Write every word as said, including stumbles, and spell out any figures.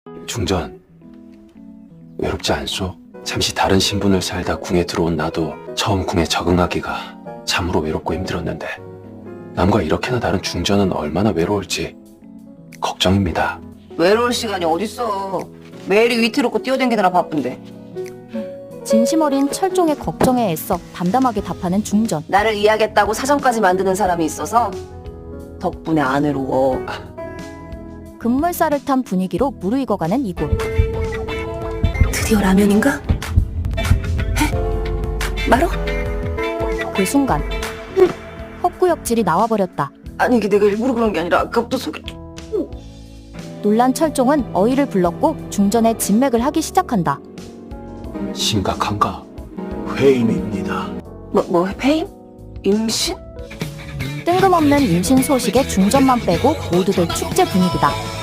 중전, 외롭지 않소? 잠시 다른 신분을 살다 궁에 들어온 나도 처음 궁에 적응하기가 참으로 외롭고 힘들었는데 남과 이렇게나 다른 중전은 얼마나 외로울지 걱정입니다. 외로울 시간이 어딨어. 매일이 위태롭고 뛰어댕기느라 바쁜데. 진심 어린 철종의 걱정에 애써 담담하게 답하는 중전. 나를 이해하겠다고 사정까지 만드는 사람이 있어서 덕분에 안 외로워. 급물살을 탄 분위기로 무르익어가는 이곳. 드디어 라면인가? 해? 말어? 그 순간 헛구역질이 나와버렸다. 아니 이게 내가 일부러 그런 게 아니라 아까부터 속이... 놀란 철종은 어이를 불렀고 중전의 진맥을 하기 시작한다. 심각한가? 회임입니다. 뭐, 뭐 페임? 임신? 뜬금없는 임신 소식에 중전만 빼고 모두들 축제 분위기다.